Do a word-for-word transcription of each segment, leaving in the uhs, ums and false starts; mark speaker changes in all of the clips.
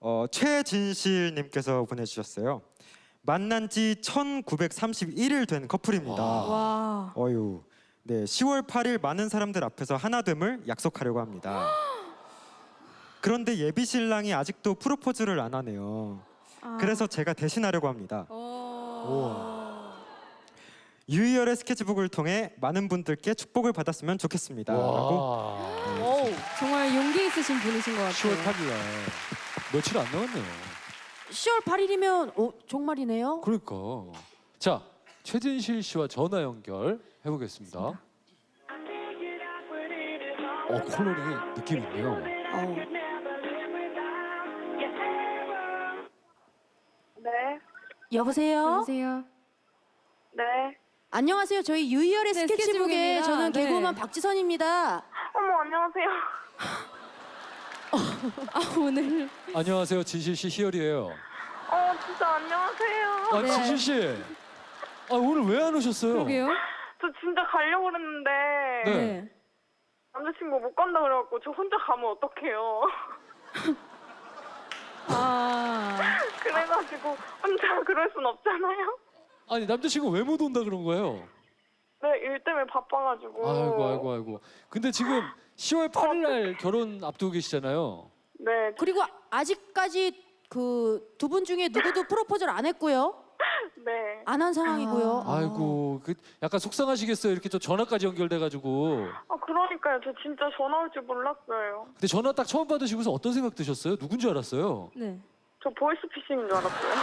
Speaker 1: 어, 최진실님께서 보내주셨어요. 만난 지 천구백삼십일 일 된 커플입니다.
Speaker 2: 와.
Speaker 1: 어유. 네, 시월 팔 일 많은 사람들 앞에서 하나됨을 약속하려고 합니다. 그런데 예비 신랑이 아직도 프로포즈를 안 하네요.
Speaker 2: 아.
Speaker 1: 그래서 제가 대신하려고 합니다. 유희열의 스케치북을 통해 많은 분들께 축복을 받았으면 좋겠습니다. 라고.
Speaker 2: 오, 정말 용기 있으신 분이신 것 같아요.
Speaker 3: 시월 팔 일 날 며칠 안 남았네요.
Speaker 4: 시월 팔 일이면 어, 정말이네요.
Speaker 3: 그러니까. 자, 최진실 씨와 전화 연결 해보겠습니다. 어, 콜로링이 느낌 있네요.
Speaker 4: 어.
Speaker 5: 네,
Speaker 4: 여보세요?
Speaker 2: 여보세요.
Speaker 5: 네.
Speaker 4: 안녕하세요. 저희 유희열의
Speaker 2: 네,
Speaker 4: 스케치북에
Speaker 2: 스케치북입니다.
Speaker 4: 저는
Speaker 2: 네.
Speaker 4: 개그우먼 박지선입니다.
Speaker 5: 어머, 안녕하세요.
Speaker 2: 아 오늘
Speaker 3: 안녕하세요, 진실 씨, 희열이에요.
Speaker 5: 어, 진짜 안녕하세요.
Speaker 3: 아,
Speaker 2: 네.
Speaker 3: 진실 씨. 아, 오늘 왜 안 오셨어요?
Speaker 2: 그러게요.
Speaker 5: 저 진짜 가려고 그랬는데
Speaker 3: 네.
Speaker 5: 남자친구 못 간다 그래갖고 저 혼자 가면 어떡해요.
Speaker 2: 아
Speaker 5: 그래가지고 혼자 그럴 순 없잖아요.
Speaker 3: 아니, 남자친구 왜 못 온다 그런 거예요?
Speaker 5: 네, 일 때문에 바빠가지고.
Speaker 3: 아이고, 아이고, 아이고. 근데 지금 시월 팔 일 날 결혼 앞두고 계시잖아요.
Speaker 5: 네,
Speaker 4: 그리고 아직까지 그 두 분 중에 누구도 프로포즈를 안 했고요.
Speaker 5: 네.
Speaker 4: 안 한 상황이고요.
Speaker 2: 아.
Speaker 3: 아이고, 그 약간 속상하시겠어요. 이렇게 또 전화까지 연결돼가지고.
Speaker 5: 아, 그러니까요. 저 진짜 전화 올 줄 몰랐어요.
Speaker 3: 근데 전화 딱 처음 받으시고서 어떤 생각 드셨어요? 누군지 알았어요?
Speaker 2: 네.
Speaker 5: 저 보이스피싱인 줄 알았어요.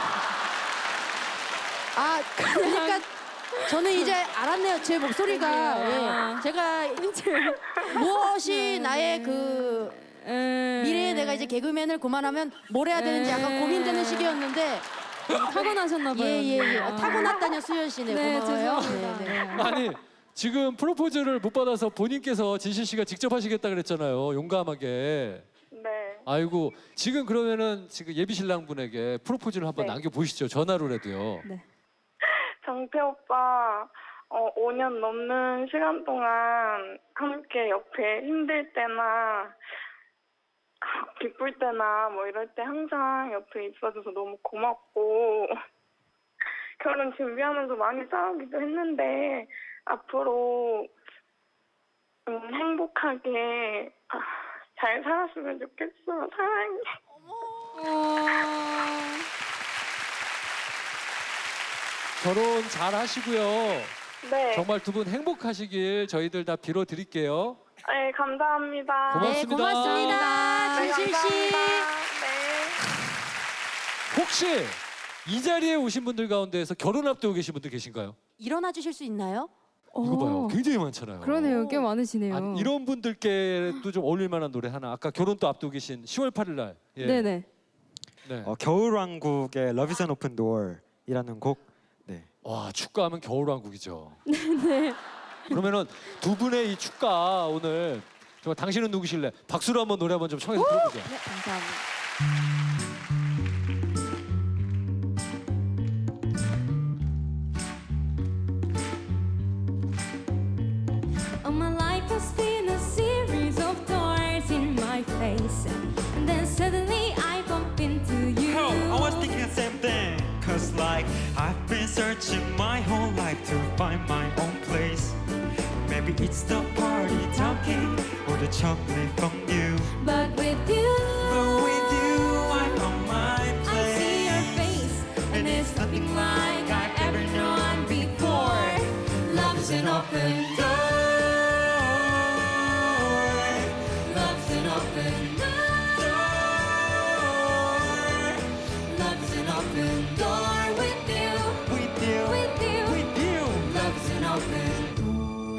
Speaker 4: 아, 그러니까 저는 이제 알았네요. 제 목소리가
Speaker 2: 그러게요.
Speaker 4: 예. 제가 무엇이 나의 그
Speaker 2: 에...
Speaker 4: 미래에 내가 이제 개그맨을 그만하면 뭘 해야 되는지 약간
Speaker 2: 에.
Speaker 4: 고민되는 시기였는데
Speaker 2: 타고나셨나 봐요.
Speaker 4: 예예 예, 예.
Speaker 2: 아.
Speaker 4: 타고났다뇨 수현 씨네.
Speaker 2: 네,
Speaker 4: 고마워요.
Speaker 2: 죄송합니다.
Speaker 4: 네, 네.
Speaker 3: 아니, 지금 프로포즈를 못 받아서 본인께서 진실 씨가 직접 하시겠다 그랬잖아요. 용감하게.
Speaker 5: 네.
Speaker 3: 아이고, 지금 그러면은 지금 예비 신랑 분에게 프로포즈를 한번
Speaker 5: 네.
Speaker 3: 남겨보시죠. 전화로라도요.
Speaker 2: 네.
Speaker 5: 정태 오빠, 어, 오 년 넘는 시간 동안 함께 옆에 힘들 때나 기쁠 때나 뭐 이럴 때 항상 옆에 있어줘서 너무 고맙고 결혼 준비하면서 많이 싸우기도 했는데 앞으로 음, 행복하게 아, 잘 살았으면 좋겠어. 사랑해.
Speaker 2: 어...
Speaker 3: 결혼 잘 하시고요.
Speaker 5: 네.
Speaker 3: 정말 두 분 행복하시길 저희들 다 빌어드릴게요.
Speaker 5: 네, 감사합니다.
Speaker 3: 고맙습니다.
Speaker 4: 네, 고맙습니다.
Speaker 5: 네,
Speaker 4: 진실 씨.
Speaker 5: 감사합니다. 네.
Speaker 3: 혹시 이 자리에 오신 분들 가운데에서 결혼 앞두고 계신 분들 계신가요?
Speaker 4: 일어나 주실 수 있나요?
Speaker 3: 이거 봐요.
Speaker 2: 어,
Speaker 3: 굉장히 많잖아요.
Speaker 2: 그러네요. 꽤 많으시네요.
Speaker 3: 아니, 이런 분들께도 좀 어울릴 만한 노래 하나. 아까 결혼도 앞두고 계신 시월 팔 일 날. 예.
Speaker 2: 네네.
Speaker 3: 네.
Speaker 1: 어, 겨울왕국의 Love is an Open Door이라는 곡. 네.
Speaker 3: 와, 축가하면 겨울왕국이죠. 네. 그러면은 두 분의 이 축가 오늘 정말 당신은 누구실래? 박수로 한번 노래 한번 좀 청해서 들어보죠.
Speaker 2: 네, 감사합니다.
Speaker 6: Oh, my life has been a series of thorns in my face, and then suddenly I bump into you.
Speaker 7: Oh, I was thinking the same thing. Cause like I've been searching my whole life to find my own place. Maybe it's the party talking or the chocolate from you.
Speaker 6: But with you,
Speaker 7: But with you, I found my
Speaker 6: I
Speaker 7: place.
Speaker 6: see your face, and it's nothing like I've ever known before. Love's an open door. Love's an open door. Love's an open door with you.
Speaker 7: With you,
Speaker 6: With you.
Speaker 7: with you.
Speaker 6: Love's an open door.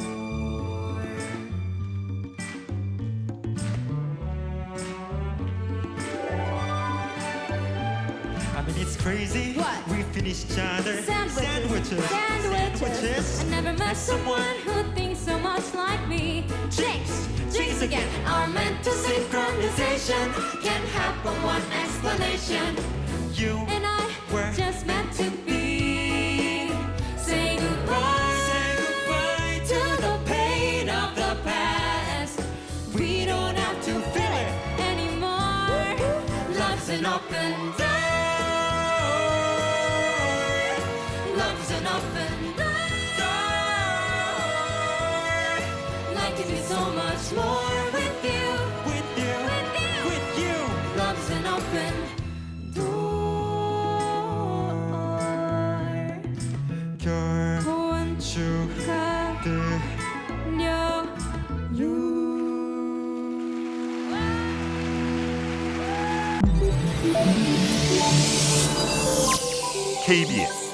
Speaker 7: I mean it's crazy.
Speaker 4: What?
Speaker 7: We finish each other.
Speaker 6: Sandwiches.
Speaker 7: Sandwiches.
Speaker 6: Sandwiches. I never met someone who thinks so much like me. Drinks, drinks again. Are meant to synchronization. Can't happen one explanation.
Speaker 7: You
Speaker 6: And I
Speaker 7: were
Speaker 6: just meant to be. Say goodbye.
Speaker 7: Say goodbye
Speaker 6: To the pain of the past. We don't have to feel it anymore. Love's an an open door. Love's an open door. Life can be so much more with you.
Speaker 7: With you, with you.
Speaker 6: Love's an open door.
Speaker 1: 건축
Speaker 8: 케이비에스